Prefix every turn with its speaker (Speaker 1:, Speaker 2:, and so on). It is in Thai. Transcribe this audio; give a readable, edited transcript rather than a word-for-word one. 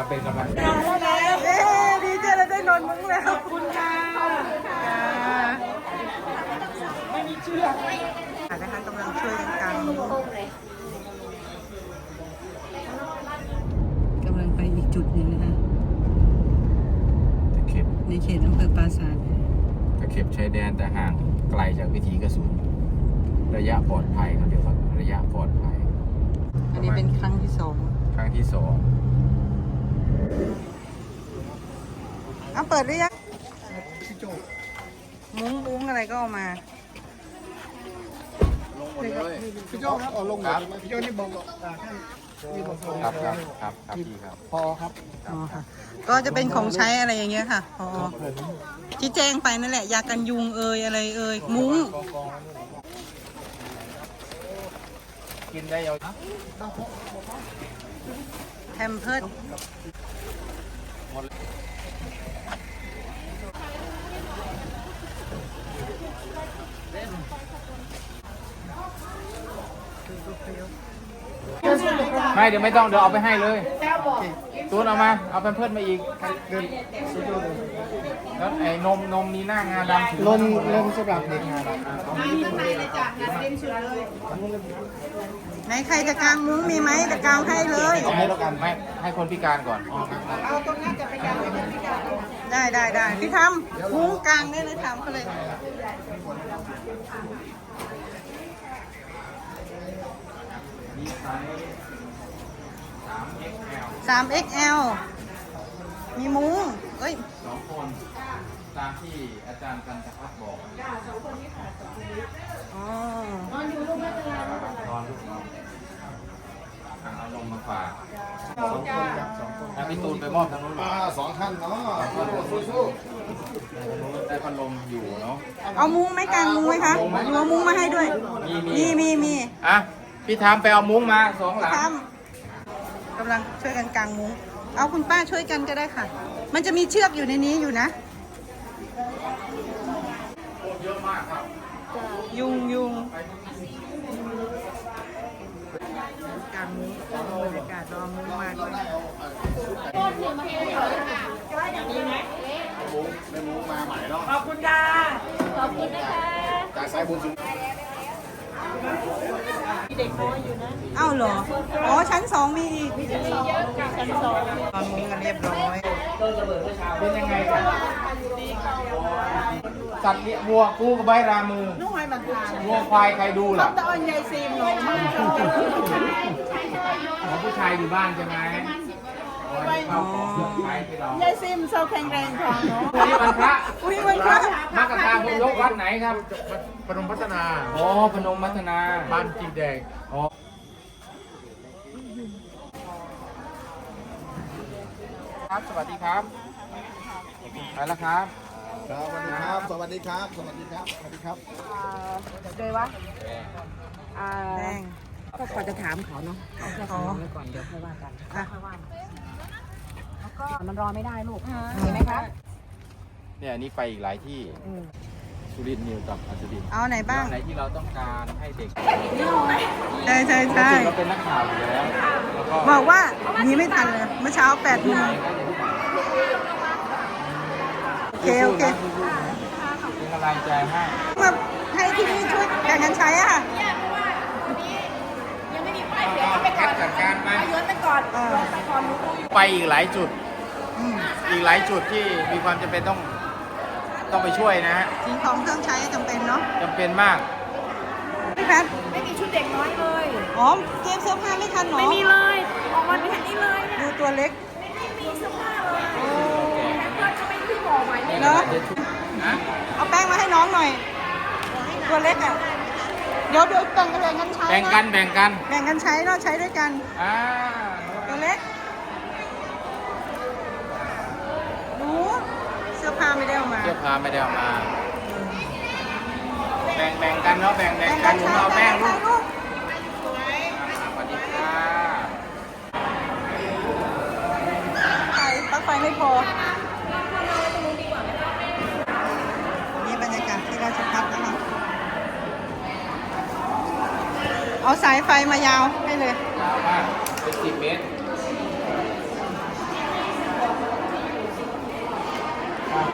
Speaker 1: เป็นกำลังใจ
Speaker 2: ดีเจเราได้นอนมุ้งแล้วขอบคุณค่ะไม่มีเชือกนะคะกำลังช่วยกันกางมุ้งกำลังไปอีกจุดหนึ่งนะคะในเขตอำเภอปราสาท
Speaker 1: ตะเข็บชายแดนแต่ห่างไกลจากวิถีกระสุนระยะปลอดภัยครับเดี๋ยวครับระยะปลอดภัย
Speaker 2: อันนี้เป็นครั้งที่สอง
Speaker 1: ครั้งที่ 2
Speaker 2: เอาเปิดหรือยังมุ้งอะไรก็เอามา
Speaker 1: ลงหมดเลยพี่โจ้ครับลงหมดเลยพี่โจ้นี่บอกครับพี่ครับพอครับ
Speaker 2: อ๋อค่ะก็จะเป็นของใช้อะไรอย่างเงี้ยค่ะพอที่แจ้งไปนั่นแหละยากันยุงอะไรมุ้ง
Speaker 1: กินได้ยาว
Speaker 2: แฮมเพิร์ด
Speaker 1: ไม่เดี๋ยวไม่ต้องเดี๋ยวเอาไปให้เลยตูนเอามาเอาแพมเพิร์สมาอีกแล้วไอ้นมนี้หน้างาดำนมสำหรับเด็กงาดำ
Speaker 2: ไหนใครจะกางมุ้งมีไหมจะกางให้เลย
Speaker 1: ให้แล้วกันไม่ให้คนพิการก่อน
Speaker 2: เอาตรงนั้นจะไปกางให้คนพิการได้พี่ทำมุ้งกางได้เลยทำเขาเลย3XL มีมุ้งเอ้ย
Speaker 1: 2 คนตามที่อาจารย์กันตะพัฒน์บอก2 คนนี้ค่ะ
Speaker 2: อ๋อนอนอยู่ลูกไม่เป็นไร
Speaker 1: นอนลูกนอนเอาลงมาฝาก2 คนครับพี่ตูนไปมอบทางนู้น
Speaker 3: 2 ท่านเนาะ
Speaker 1: ได้พัดลมอยู่เนาะ
Speaker 2: เอามุ้งไหมกางมุ้งไหมคะหนูเอามุ้งมาให้ด้วยมี
Speaker 1: อ่ะพี่ทำไปเอามุ้งมา2 หลัง
Speaker 2: กำลังช่วยกันกางมุ้งเอาคุณป้าช่วยกันก็ได้ค่ะมันจะมีเชือกอยู่ในนี้อยู่นะ
Speaker 1: เยอะมากครับ
Speaker 2: ยุงกางมุ้งบรรยากาศรอมุ้งมากเลย
Speaker 3: มุ้งมาใหม่เนาะ
Speaker 2: ขอบคุณค่ะขอบคุณนะคะ
Speaker 3: จากสายบุญสุน
Speaker 2: เอ้าเหรออ๋อชั้น2มีอีกชั้น2ตอนมุ้งกันเรียบร้อย
Speaker 1: เป็นยังไงครับสัตว์เลี้ยงวัวกู้กับใบรามือวัวควายใครดูล่ะ
Speaker 2: ตอนยายซีมหนูมาก
Speaker 1: ผู้ชายอยู่บ้านใช่ไหม
Speaker 2: ยายซิมโซแข็งแรงของเนาะ
Speaker 1: วันพระมักกะทาพงยกวัดไหนครับ
Speaker 3: พนมพัฒนา
Speaker 1: อ๋อพนมพัฒนา
Speaker 3: บ้านจีแดง
Speaker 1: อ๋อครับสวัสดีครับไปแล้วครับ
Speaker 3: สวัสดีครับสวัสดีครับ
Speaker 2: เลยวะแดง
Speaker 4: ก็ก่อนจะถามเขาเนาะเอาแค่ถามไว้ก่อนเดี๋ยวค่อยว่ากันค่อยว่าแล้วก็มันรอไม่ได้ลูกเห็นไหมคะ
Speaker 1: เนี่ยนี่ไปอีกหลายที่สุรินทร์นิวกับอัศดิน
Speaker 2: เอาไหนบ้าง
Speaker 1: ไหนที่เราต้องการให้เด็ก
Speaker 2: ใช่
Speaker 1: เราเป็นนักข่าวอยู่แล้ว
Speaker 2: บอกว่านี้ไม่ทันเลยเมื่อเช้า8 โมงโอเค
Speaker 1: เป็นกำลังใจให้
Speaker 2: มาให้ที่นี่ช่วยแบ่งกันใช้อ่ะ
Speaker 1: ไปจัดการมาไปอีกหลายจุดที่มีความจำเป็นต้องไปช่วยนะฮะ
Speaker 2: สิ่งของเครื่องใช้จำเป็นเนาะ
Speaker 1: จำเป็นมาก
Speaker 2: พี่แพท
Speaker 4: ไม่มีชุดเด็กน้อยเลย
Speaker 2: อ๋อเกมเสื้อผ้าไม่ทันหรอ
Speaker 4: ไม่มีเลยออกมาไม่ทันนี้เลย
Speaker 2: ดูตัวเล็ก
Speaker 4: ไม่มีเสื้อผ้าเลยแพทจะไม่ที่บอกไว้
Speaker 2: เนาะเอาแป้งมาให้น้องหน่อยตัวเล็กอ่ะเดี๋ยวแบ่งกันใช้
Speaker 1: แบ่ง
Speaker 2: กันใช้เนาะใช้ด้วยกันตัวเล็กดูเสื้อผ้าไม่ได้เอามา
Speaker 1: แบ่งกันเนาะแบ่งกันเอาแป้งลูกสวัสดีค่ะ
Speaker 2: ปลั๊กไฟไม่พอนี่บรรยากาศที่ราชภัฏนะคะเอาสายไฟมายาวให้เลย
Speaker 1: เป็น10 เมตร